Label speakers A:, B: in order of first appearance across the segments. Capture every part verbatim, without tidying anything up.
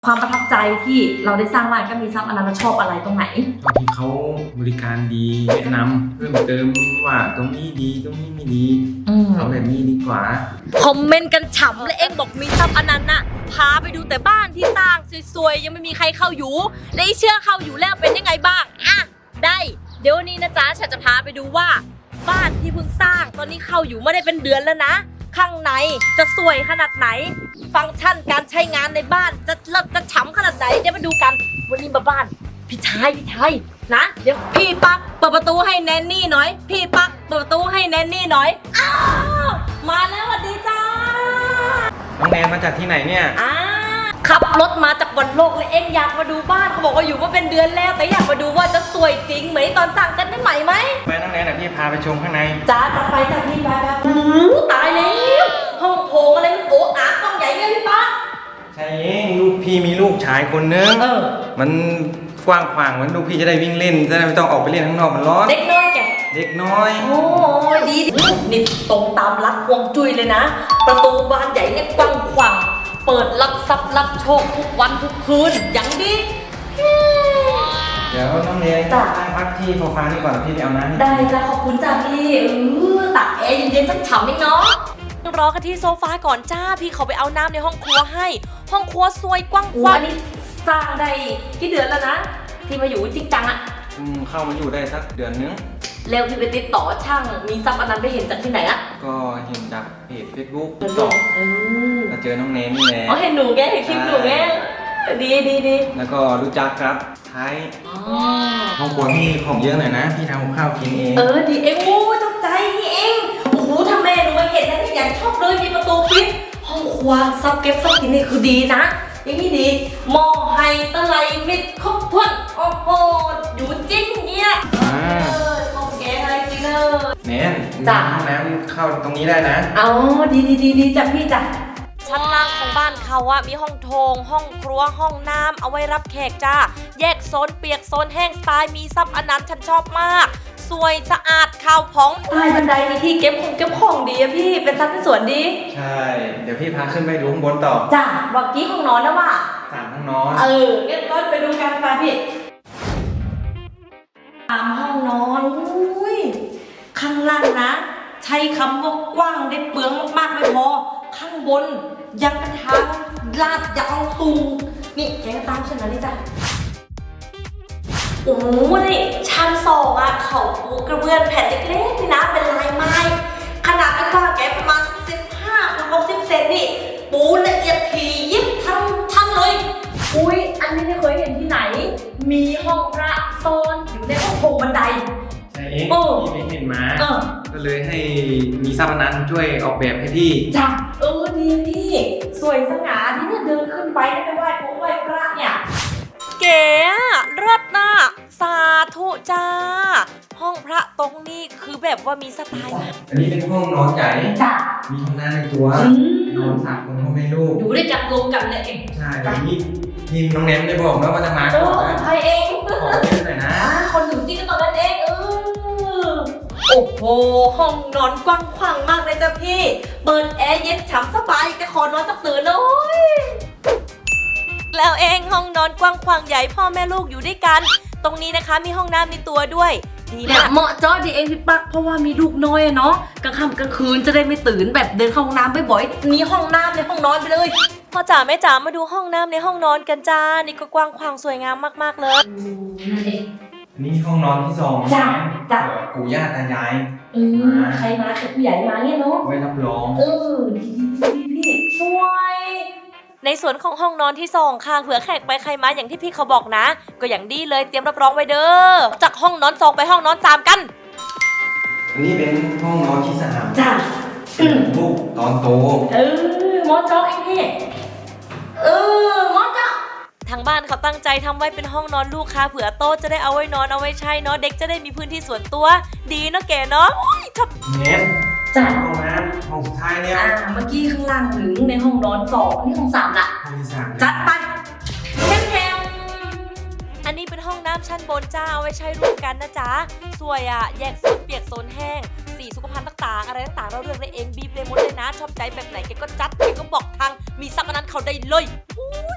A: ความประทับใจที่เราได้สร้างบ้านก็มีซับอันนั้นเราชอบอะไรตรงไหน
B: บางทีเขาบริการดีแนะนำเพิ่มเติมว่าตรงนี้ดีตรงนี้ไม่ดีเอาแบบนี้ดีกว่า
C: คอมเมนต์กันฉ่ำและเองบอกมีซับอันนั้นน่ะพาไปดูแต่บ้านที่สร้างสวยๆยังไม่มีใครเข้าอยู่และเชื่อเข้าอยู่แล้วเป็นยังไงบ้างอ่ะได้เดี๋ยววันนี้นะจ๊ะฉันจะพาไปดูว่าบ้านที่เพิ่งสร้างตอนนี้เข้าอยู่ไม่ได้เป็นเดือนแล้วนะข้างในจะสวยขนาดไหนฟังก์ชันการใช้งานในบ้านจะเลิศจะฉ่ำขนาดไหนเดี๋ยวมาดูกันวันนี้มาบ้านพี่ชายพี่ชายนะเดี๋ยวพี่ปักเปิดประตูให้แนนนี่หน่อยพี่ปักเปิดประตูให้แนนนี่หน่อยอ้าวมาแล้วสวัสดีจ้า
B: น้องแนนมาจากที่ไหนเนี่ย
C: อ่าขับรถมาจากวันโลกเลยเอ็งอยากมาดูบ้านเขาบอกว่าอยู่มาเป็นเดือนแล้วแต่อยากมาดูว่าจะสวยจริงเหมือนตอนสั่งกันได้ไหมไหม
B: ไปน้องแนนเดี๋ยวพี่พาไปชมข้างใน
C: จ้าจะไปจากพี่ไปแบบหูตายแล้วห้องโถงอะไรมันโอ้อาห้องใหญ่เนี่ยพี่ป๊า
B: ใช่เองลูกพี่มีลูกชายคนนึง
C: เออ
B: มันกว้างขวางมันลูกพี่จะได้วิ่งเล่นจะได้ไม่ต้องออกไปเล่นข้างนอกมันร้อน
C: เด็กน้อยแก
B: เด็กน้อย
C: โอ้ยดีนี่ตรงตามรักวงจุ้ยเลยนะประตูบานใหญ่เนี่ยกว้างขวางเปิดรับทรัพย์รับโชคทุกวันทุกคืนอย่างดี
B: เดี๋ยวน้องเนยนั่งพักที่โซฟานี่ก่อนพี่ไปเอาน้ำ
C: ได้จ้ะขอบคุณจ้ะพี่เออตักแอร์เย็นๆสักฉ่ำนิดเนาะรอกันที่โซฟาก่อนจ้าพี่เขาไปเอาน้ำในห้องครัวให้ห้องครัวสวยกว้างกว้างนี่สร้างได้กี่เดือนแล้วนะที่มาอยู่จริงจังอะ
B: อืมเข้ามาอยู่ได้สักเดือนนึง
C: แล้วพี่ไปติดต่อช่างมีซับอันนั้นไปเห็นจากที่ไหนอะ
B: ก็เห็นจากเพจเฟซบุ๊กต่อแล้วเจอน้องเนนนี่แหละ
C: อ๋อเห็นหนูแกเห็นคลิปหนูแกดีดีดี
B: แล้วก็รู้จักครับไทยห้องครัวพี่ของเยอะหน่อยนะพี่ทำข้าวกินเอง
C: เออดีเองโอ้ตกใจนี่เองโอ้โหทำแม่หนูมาเห็นนะที่อยากชอบเลยมีประตูปิดห้องครัวซับเก็บซับกินนี่คือดีนะอย่างนี้ดีหม้อไฮตะไลมิดครบถ้วนโอ้โหอยู่จริงเนี่ยเออห้องแกอะไรจริงเนอะ
B: เน้นจ้ะห้องน้ำเข้าตรงนี้ได้นะ
C: อ๋อดีดีดีดีจ้ะพี่จ้ะชั้นล่างของบ้านเขาอะมีห้องโถงห้องครัวห้องน้ำเอาไว้รับแขกจ้าแยกโซนเปียกโซนแห้งสไตล์มีซับอันนั้นฉันชอบมากสวยสะอาดข่าวผ่องใต้บันไดมีที่เก็บของเก็บของดีอะพี่เป็นซับที่สวนดี
B: ใช่เดี๋ยวพี่พาขึ้นไปดูข้างบนต่อ
C: จ้าบอกกี้ห้องนอนนะว่า
B: สามห้องนอน
C: เอองั้นก็ไปดูกันไปพี่สามห้องนอนอุ้ยข้างล่างนะใช้คำว่ากว้างได้เปลืองมากๆไม่พอข้างบนยังเป็นทางลาดยาวสูงนี่แกก็ตามฉันมานี่จ้ะโอ้โหนี่ชั้นสองอะเขาปูกระเบื้องแผ่นเล็กๆนี่นะเป็นลายไม้ขนาดไม่กว้างแกประมาณสิบห้าถึงหกสิบเซนนี่ปูละเอียดถี่ยิบทั้งชั้นเลยอุ้ยอันนี้ไม่เคยเห็นที่ไหนมีห้องพระโซนอยู่ในห้องโถงบันได
B: ใช่เองพี่ไม่เห็นมาก็เลยให้มีซับนั้นช่วยออกแบบให้พี่
C: จ้ะเออดีพี่สวยสง่าที่เนี่ยเดินขึ้นไปได้ไปไหว้พระไหว้พระเนี่ยเก๋เลิศน่ะสาธุจ้าห้องพระตรงนี้คือแบบว่ามีสไตล์
B: อันนี้เป็นห้องนอนใหญ่
C: จ้ะ
B: มีห้องน้ำในตัวนอนสามคนพ่อแม่ลูก
C: อยู่ด้วยกันรวมกันเลยเอง
B: ใช่ทีนี้ทีมน้องแนมได้บอกแล้วว่าจะมา
C: ก่อนนะใครเอง
B: ขอเยอะหน่อยนะ
C: คนอยู่ที่ก็ตอนนั้นเองเออโอ้โหห้องนอนกว้างขวางมากเลยจ้ะพี่เปิดแอร์เย็นฉ่ำสบายจะขอนอนสักตื่นเลยแล้วเองห้องนอนกว้างขวางใหญ่พ่อแม่ลูกอยู่ด้วยกันตรงนี้นะคะมีห้องน้ำในตัวด้วยดีมากเหมาะจ้อดีเองพี่ปักเพราะว่ามีลูกน้อยเนาะกลางค่ำกลางคืนจะได้ไม่ตื่นแบบเดินเข้าห้องน้ำบ่อยๆมีห้องน้ำในห้องนอนไปเลยพ่อจ๋าแม่จ๋ามาดูห้องน้ำในห้องนอนกันจ้านี่ก็กว้างขวางสวยงามมากๆเลยนั่นเอง
B: นี่ห้องนอนที่สอง
C: จ้าจ้า
B: ปู่ย่าตายาย
C: เออใครมาใครผู้ใหญ่มาเนี่ยเนาะ
B: ไว้รับรอง
C: เออดีพี่สวยในส่วนของห้องนอนที่สองค่ะเผื่อแขกไปใครมาอย่างที่พี่เขาบอกนะก็อย่างดีเลยเตรียมรับรองไว้เด้อจากห้องนอนสองไปห้องนอนสามกัน
B: อันนี้เป็นห้องนอนที่สาม
C: จ้า
B: ลูกตอนโต
C: เออมอจ๊อกเองพี่เออมอจ๊อกทางบ้านเขาตั้งใจทำไว้เป็นห้องนอนลูกค่ะเผื่อโต๊ะจะได้เอาไว้นอนเอาไว้ใช้เนาะเด็กจะได้มีพื้นที่ส่วนตัวดีเนาะแกเนาะโอ้ยชอบ
B: เน้น
C: จ้า
B: ห้องน้ำห้องสุดท้ายเนี่ย
C: อ่าเมื่อกี้ข้างล่างถึงในห้องนอนสองนี่ห้องสามละ
B: ห้องที่สาม
C: จัดไปแถมอันนี้เป็นห้องน้ำชั้นบนจ้าเอาไว้ใช้ร่วมกันนะจ๊ะสวยอ่ะแยกโซนเปียกโซนแห้งสีสุขภัณฑ์ต่างๆอะไรต่างๆเราเลือกได้เองบีบเลยหมดเลยนะชอบใจแบบไหนแกก็จัดแกก็บอกทางมีซับอันนั้นเขาได้เลย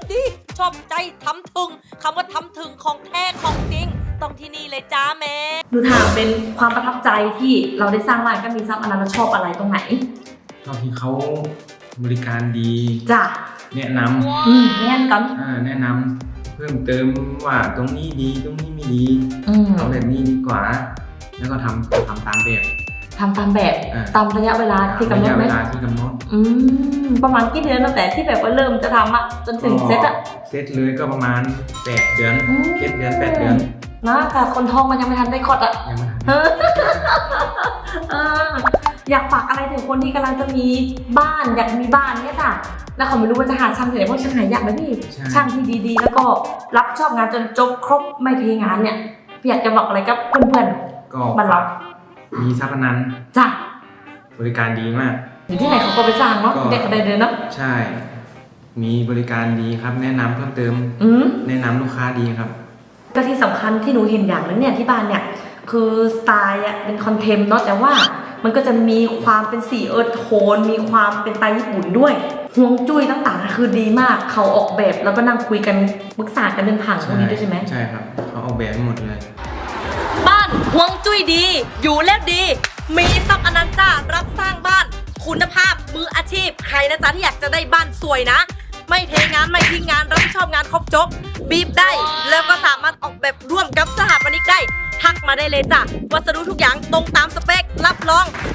C: ดีชอบใจทำถึงคำว่าทำถึงของแท้ของจริงต้องที่นี่เลยจ้าแม่
A: ดูถามเป็นความประทับใจที่เราได้สร้างร้านก็มีซับอันนั้นเราชอบอะไรตรงไหน
B: ชอบที่เขาบริการดี
A: จ้ะ
B: แนะน
A: อืมแน่นกัน
B: ำอ่าแนะนำเพิ่มเติมว่าตรงนี้ดีตรงนี้ไม่ดี
A: อืม
B: เอาแบบนี้ดีกว่า แล้วก็ทำทำตามแบบ
A: ทำตามแบบ
B: อ่า
A: ตามระยะเวลาที่กำหน
B: ระ
A: ด
B: ยะ
A: ไหม
B: เวลาที่กำหนด
A: อืมประมาณกี่เดือนตั้งแต่ที่แบบว่าเริ่มจะทำอะจนถึงเซตอะ
B: เซตเลยก็ประมาณแปดเดือน
A: อืม
B: เจ็ดเดือนแปดเดือน
A: นะแต่คนท้องมันยังไม่ทันได้คลอดอะ
B: ยังไม่ทัน
A: เออเอออยากฝากอะไรถึงคนที่กำลังจะมีบ้านอยากมีบ้านเนี่ยจ้ะแล้วเขาไม่รู้ว่าจะหาช่างที่ไหนเพราะช่างหายากนะพี่
B: ใช่
A: ช่างที่ดีๆ แล้วก็รับชอบงานจนจบครบไม่เทงานเนี่ยพี่อยากจะบอกอะไรกับเพื่อน
B: ก็
A: บ้านเรา
B: มีทรัพย์นัน
A: ๆจ้ะ
B: บริการดีมาก
A: อยู่ที่ไหนเขาก็ไปสร้างเนาะ
B: ก็
A: เด็กก็ได้เลยเนาะ
B: ใช่ มีบริการดีครับ แนะนำเพิ่มเติม
A: อืม
B: แนะนำลูกค้าดีครับ
A: ก็ที่สำคัญที่หนูเห็นอย่างนึงเนี่ยที่บ้านเนี่ยคือสไตล์อะเป็นคอนเทมเนาะแต่ว่ามันก็จะมีความเป็นสีเอิร์ธโทนมีความเป็นสไตล์ญี่ปุ่นด้วยฮวงจุ้ยต่างๆคือดีมากเขาออกแบบแล้วก็นั่งคุยกันปรึกษากันเรื่องผังพวกนี้ด้วยใช่ไหม
B: ใช่ครับเขาออกแบบให้หมดเลย
C: บ้านห่วงจุ้ยดี อยู่แล้วดี มีซับอนันต์จ้ารับสร้างบ้าน คุณภาพมืออาชีพ ใครนะจ๊ะที่อยากจะได้บ้านสวยนะ ไม่เทงานไม่ทิ้งงานรับผิดชอบงานครบจบบีบได้ แล้วก็สามารถออกแบบร่วมกับสถาปนิกได้ ทักมาได้เลยจ้ะวัสดุทุกอย่างตรงตามสเปค รับรอง